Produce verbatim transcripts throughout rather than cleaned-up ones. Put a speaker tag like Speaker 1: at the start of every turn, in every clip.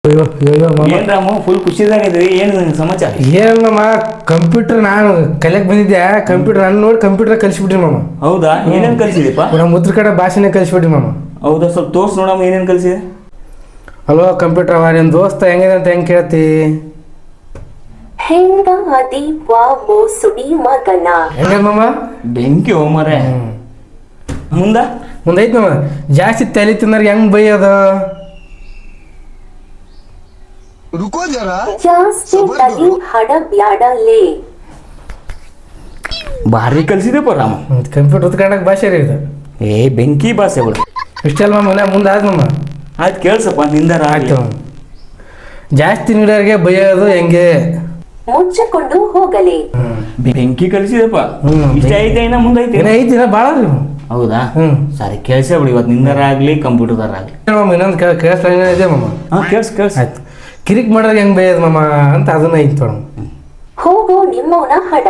Speaker 1: ಅಯ್ಯೋ ಅಯ್ಯೋ ಮಾಮ
Speaker 2: ಏನ್ ರಾಮು ಫುಲ್ ಖುಷಿದಾಗಿದ್ರಿ ಏನು ನಿನ್ ಸಮಾಚಾರ?
Speaker 1: ಏನ್ ಮಾಮ ಕಂಪ್ಯೂಟರ್ ನಾನು ಕಲಿಯಕ್ ಬಂದಿದ್ದೆ. ಕಂಪ್ಯೂಟರ್ ನಾನು ನೋಡಿ ಕಂಪ್ಯೂಟರ್ ಕಲಿಸ್ಬಿಟ್ರಿ ಮಾಮ.
Speaker 2: ಹೌದಾ? ಏನೇನ್ ಕಲ್ಸಿದೀಪ?
Speaker 1: ನಮ್ಮ ಉತ್ತರ ಕಡೆ ಭಾಷೆನೇ ಕಲಿಸ್ಬಿಟ್ರಿ ಮಾಮ.
Speaker 2: ಹೌದಾ? ಸ್ವಲ್ಪ ತೋರ್ಸ್ ನೋಡಮ್ಮ ಏನೇನ್ ಕಲ್ಸಿದೆ.
Speaker 1: ಹಲೋ ಕಂಪ್ಯೂಟರ್ ಅವ ನಿಮ್ ದೋಸ್ತ ಹೆಂಗಿದೆ ಅಂತ ಹೆಂಗ್ ಕೇಳ್ತಿ?
Speaker 3: ಹೆಂಗಾದಿ ವಾವೋ ಸುಡಿ ಮಗನ.
Speaker 1: ಹೆಂಗ ಮಾಮ?
Speaker 2: ಬೆಂಕಿ ಹೋಮರೆ. ಮುಂದ
Speaker 1: ಮುಂದೈತ್ ಮಾಮ. ಜಾಸ್ತಿ ತಲೆ ತಿಂದ್ರೆ ಹೆಂಗ್ ಬೈಯೋದ?
Speaker 4: रुको जरा
Speaker 3: ಜಾಸ್ತಿ ತಲಿ ಹಡ ಬ್ಯಾಡಲೇ.
Speaker 2: ಭಾರಿ ಕಲ್ಸಿದೆಪ್ಪ ರಾಮ.
Speaker 1: ಕಂಪ್ಯೂಟರ್ ಉತ್ಕಂಡಕ್ ಭಾಷೆ ರೀ ಇದು.
Speaker 2: ಏ ಬೆಂಕಿ ಭಾಷೆ ಬಿಡು.
Speaker 1: ಇಷ್ಟಲ್ಲ ಮಾಮ ಮನೆ ಮುಂದೆ ಆದ್ ಮಾಮ.
Speaker 2: ಆಯ್ತು ಕೇಳ್ಸಪ್ಪ ನಿಂದಾರ
Speaker 1: ಆಯ್ತು ಮಾಮ. ಜಾಸ್ತಿ ನೀಡೋರಿಗೆ ಬೈಯೋದು ಹೆಂಗೆ?
Speaker 3: ಮುಚ್ಚಿಕೊಂಡು ಹೋಗಲೇ.
Speaker 2: ಬೆಂಕಿ ಕಲ್ಸಿದೆಪ್ಪ.
Speaker 1: ಹ್ಮ್.
Speaker 2: ಇಷ್ಟ ಐತೆ ಇನ್ನ ಮುಂದೈತೆ?
Speaker 1: ಏನೇ ಐತಿ ದಿನ ಭಾಳ ರೀ ಮಾಮ.
Speaker 2: ಹೌದಾ?
Speaker 1: ಹ್ಮ್.
Speaker 2: ಸರಿ ಕೇಳ್ಸ ಬಿಡಿ ಇವತ್ತು ನಿಂದಾರ ಆಗ್ಲಿ ಕಂಪ್ಯೂಟರ್ದಾರ ಆಗ್ಲಿ.
Speaker 1: ಮಾಮ ಇನ್ನೊಂದು ಕೇಳಿಸ್ಲ ಇದೆ ಮಾಮ.
Speaker 2: ಹಾ ಕೇಳ್ಸ್ ಕೇಳ್ಸ್.
Speaker 1: ಆಯ್ತು ಕಿರಿಕ್ ಮಾಡೋದು ಹೆಂಗ್ ಬೈಯೋದು ಮಾಮ ಅಂತ ಅದನ್ನ ಐತಿ ನೋಡ.
Speaker 3: ಹೋಗೋ ನಿಮ್ಮವನ ಹಡ.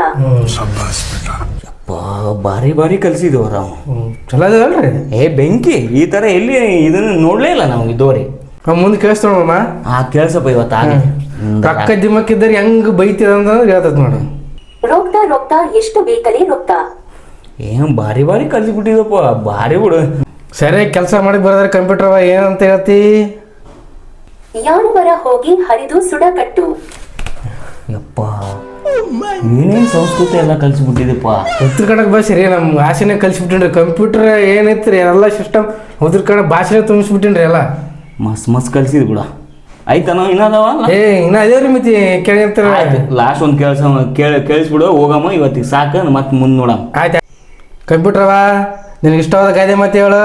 Speaker 2: ಅಪ್ಪ ಭಾರಿ ಭಾರಿ ಕಲ್ಸಿದ್ವು ರಾಮ.
Speaker 1: ಚಲೋ ಅದಲ್ರಿ.
Speaker 2: ಏ ಬೆಂಕಿ ಈ ತರ ಎಲ್ಲಿ ಇದನ್ನ ನೋಡ್ಲೇ ಇಲ್ಲ ನಾವು ಇದ್ದೋರಿ.
Speaker 1: ಮುಂದೆ ಕೇಳಿಸ್ತೋಣ ಮಾಮ.
Speaker 2: ಹಾ ಕೇಳ್ಸಪ್ಪ ಇವತ್ತು ಆಗ್ಲಿ.
Speaker 1: ರೊಕ್ಕ ದಿಮ್ಮಕ್ಕಿದ್ದಾರೆ ಹೆಂಗ್ ಬೈತಿದ ಅಂತಂದ್ರೆ ಹೇಳ್ತದ ನೋಡು.
Speaker 3: ರೊಕ್ತ ರೊಕ್ತ ಎಷ್ಟು ಬೇಕಲೇ ರೊಕ್ತ.
Speaker 2: ಏನ್ ಭಾರಿ ಭಾರಿ ಕಲ್ಸಿಬಿಟ್ಟಿದಪ್ಪ. ಭಾರಿ ಬಿಡು.
Speaker 1: ಸರಿ ಕೆಲಸ ಮಾಡಿ ಬರೋದ್ರೆ ಕಂಪ್ಯೂಟರ್ ಅವ ಏನಂತ ಹೇಳ್ತಿ?
Speaker 3: ಯಾಣವರ ಹೋಗಿ ಹರಿದು ಸುಡ ಕಟ್ಟು.
Speaker 2: ಯಪ್ಪ ಏನೇನ್ ಸಂಸ್ಕೃತಿ ಎಲ್ಲ ಕಲ್ಸಿಬಿಟ್ಟಿದಪ್ಪ.
Speaker 1: ಉತ್ತರ ಕನ್ನಡ ಭಾಷೆ ರೀ ನಮ್ಮ ಭಾಷೆನೇ ಕಲ್ಸಿಬಿಟ್ಟಿನ್ರಿ. ಕಂಪ್ಯೂಟರ್ ಏನೈತ್ರಿ ಎಲ್ಲ ಸಿಸ್ಟಮ್ ಉತ್ತರ ಕನ್ನಡ ಭಾಷೆನೇ ತುಂಬಿಸ್ಬಿಟ್ಟಿನ್ರಿ ಎಲ್ಲ.
Speaker 2: ಮಸ್ ಮಸ್ ಕಲ್ಸಿದ್ ಬಿಡ. ಆಯ್ತಾನೋ ಇನ್ನದವ
Speaker 1: ಏ ಇನ್ನ ಅದೇ ರೀ ಮಿತಿ ಕೇಳಿರ್ತಾರ.
Speaker 2: ಲಾಸ್ಟ್ ಒಂದ್ ಕೇಳ್ಸ ಕೇಳ ಕೇಳಿಸ್ಬಿಡು ಹೋಗಮ್ಮ ಇವತ್ತಿಗೆ ಸಾಕ ಮತ್ತೆ ಮುಂದ್ ನೋಡಮ್ಮ.
Speaker 1: ಆಯ್ತು ಕಂಪ್ಯೂಟರ್ ಅವ ನಿನಗೆ ಇಷ್ಟವಾದ ಗಾದೆ ಮಾತು ಹೇಳು.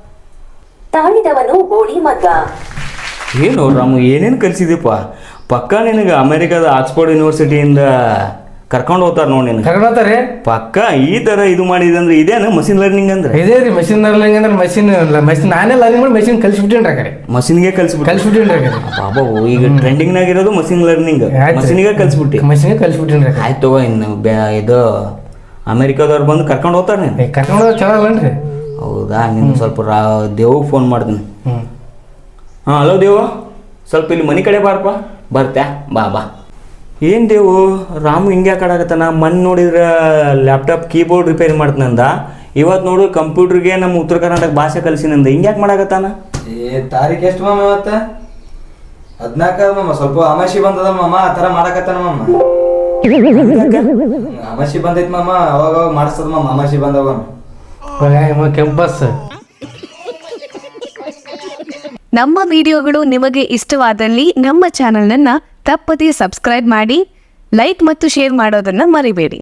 Speaker 3: ತಾಳಿದವನು ಬೋಳಿ ಮಗ್ಗ.
Speaker 2: ಏನು ರಾಮು ಏನೇನು ಕಲ್ಸಿದಪ್ಪ. ಪಕ್ಕ ನಿನಗೆ ಅಮೆರಿಕದ ಆಕ್ಸ್ಫೋರ್ಡ್ ಯೂನಿವರ್ಸಿಟಿಯಿಂದ ಕರ್ಕೊಂಡು ಹೋಗ್ತಾರ ನೋಡಿ ನಿನಗೆ.
Speaker 1: ಕರ್ಕೊಂಡು ಹೋಗ್ತಾರೆ
Speaker 2: ಪಕ್ಕ ಈ ತರ ಇದು ಮಾಡಿದೆ ಅಂದ್ರೆ ಇದೇನು ಮಷಿನ್ ಲರ್ನಿಂಗ್ ಅಂದ್ರೆ?
Speaker 1: ಇದೇ ರೀ ಮಷಿನ್ ಲರ್ನಿಂಗ್ ಅಂದ್ರೆ ಮಷಿನ್ ಮಷಿನ್ ನಾನೇ ಲರ್ನಿಂಗ್ ಮಾಡಿ ಮಷಿನ್ ಕಲ್ಸಿಬಿಟ್ಟಿನ್ರಿ ಆ ಕಡೆ.
Speaker 2: ಮಷಿನ್ಗೆ ಕಲ್ಸ್ಬಿಟ್ಟು
Speaker 1: ಕಲ್ಸಿಬಿಟ್ಟಿನ್ರಿ ಆ ಕಡೆ.
Speaker 2: ಬಾಬಾ ಈಗ ಟ್ರೆಂಡಿಂಗ್ ನಾಗಿರೋದು ಮಷಿನ್ ಲರ್ನಿಂಗ್. ಮಷಿನ್ಗೆ ಕಲ್ಸ್ಬಿಟ್ಟಿ.
Speaker 1: ಮಷಿನ್ಗೆ ಕಲ್ಸಿಬಿಟ್ಟಿನ್ರಿ.
Speaker 2: ಆಯ್ತು ತಗೋ ಇನ್ನು ಬ್ಯಾ- ಇದು ಅಮೆರಿಕದವ್ರು ಬಂದು ಕರ್ಕೊಂಡು ಹೋಗ್ತಾರೆ ನೀನು.
Speaker 1: ಕರ್ಕೊಂಡು ಹೋಗೋದು ಚಲೋ ಅಲ್ಲನ್ರಿ?
Speaker 2: ಹೌದಾ? ನೀನು ಸ್ವಲ್ಪ ರಾ ದೇವ್ಗೆ ಫೋನ್ ಮಾಡ್ತೀನಿ.
Speaker 1: ಹ್ಞೂ
Speaker 2: ಹಾಂ ಹಲೋ ದೇವು, ಸ್ವಲ್ಪ ಇಲ್ಲಿ ಮನೆ ಕಡೆ ಬಾರಪ್ಪ. ಬರ್ತ್ಯಾ? ಬಾ ಬಾ. ಏನು ದೇವು ರಾಮು ಹಿಂಗೆ ಯಾಕಾಡಕತ್ತಾನ? ಮೊನ್ನೆ ನೋಡಿದ್ರೆ ಲ್ಯಾಪ್ಟಾಪ್ ಕೀಬೋರ್ಡ್ ರಿಪೇರಿ ಮಾಡ್ತಾನಂದ, ಇವತ್ತು ನೋಡು ಕಂಪ್ಯೂಟರ್ಗೆ ನಮ್ಮ ಉತ್ತರ ಕರ್ನಾಟಕ ಭಾಷೆ ಕಲಿಸಿನಂದ. ಹಿಂಗೆ ಯಾಕೆ ಮಾಡಕತ್ತಾನ?
Speaker 5: ಏ ತಾರೀಕು ಎಷ್ಟು ಮಾಮ ಇವತ್ತ? ಹದಿನಾಲ್ಕ ಮಾಮ. ಸ್ವಲ್ಪ ಅಮಾಸಿ ಬಂದದ ಮಾಮ, ಆ ಥರ ಮಾಡಕತ್ತಾನ ಮಾಮ. ಅಮಾಸಿ ಬಂದೈತಿ ಮಾಮ, ಅವಾಗ ಅವಾಗ ಮಾಡಿಸ್ತದ ಮಾಮ ಅಮಾಸಿ ಬಂದವ.
Speaker 1: ಕೆಂಪಸ್.
Speaker 6: ನಮ್ಮ ವಿಡಿಯೋಗಳು ನಿಮಗೆ ಇಷ್ಟವಾದಲ್ಲಿ ನಮ್ಮ ಚಾನೆಲ್ನನ್ನು ತಪ್ಪದೇ ಸಬ್ಸ್ಕ್ರೈಬ್ ಮಾಡಿ, ಲೈಕ್ ಮತ್ತು ಶೇರ್ ಮಾಡೋದನ್ನು ಮರಿಬೇಡಿ.